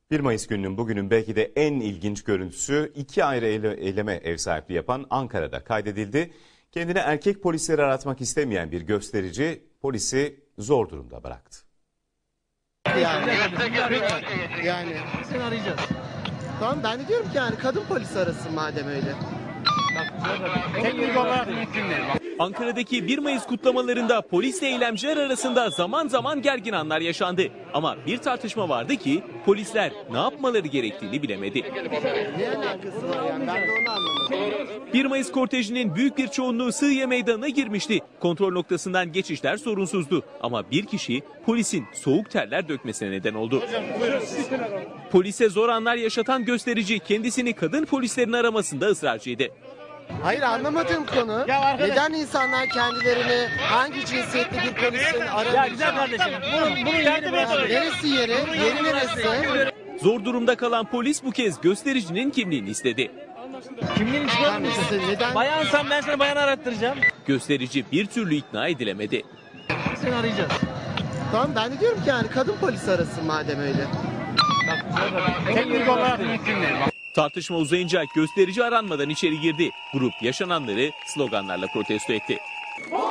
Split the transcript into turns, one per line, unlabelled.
1 Mayıs gününün bugünün belki de en ilginç görüntüsü iki ayrı eyleme ev sahipliği yapan Ankara'da kaydedildi. Kendine erkek polisleri aratmak istemeyen bir gösterici polisi zor durumda bıraktı.
Yani
Seni arayacağız.
tamam, ben de diyorum ki yani kadın polis arasın madem öyle.
Teknik olarak mümkün değil.
Ankara'daki 1 Mayıs kutlamalarında polisle eylemciler arasında zaman zaman gergin anlar yaşandı. Ama bir tartışma vardı ki polisler ne yapmaları gerektiğini bilemedi.
Ne alakası var yani, ben de onu anlamadım.
1 Mayıs kortejinin büyük bir çoğunluğu Sığıye Meydanı'na girmişti. Kontrol noktasından geçişler sorunsuzdu. Ama bir kişi polisin soğuk terler dökmesine neden oldu. Polise zor anlar yaşatan gösterici kendisini kadın polislerin aramasında ısrarcıydı.
Hayır, anlamadığım konu neden insanlar kendilerini hangi cinsiyetli bir polisin aramayacağını...
Ya güzel kardeşim. Bunun yeri burası.
Neresi yeri? Yeri neresi?
Zor durumda kalan polis bu kez göstericinin kimliğini istedi.
Kimliğini çıkarır mısın?
Neden?
Bayansan ben sana bayan arattıracağım.
Gösterici bir türlü ikna edilemedi.
Seni arayacağız.
Tamam, ben de diyorum ki yani kadın polis arasın madem öyle.
Teknik olarak mümkün değil.
Tartışma uzayınca gösterici aranmadan içeri girdi. Grup yaşananları sloganlarla protesto etti.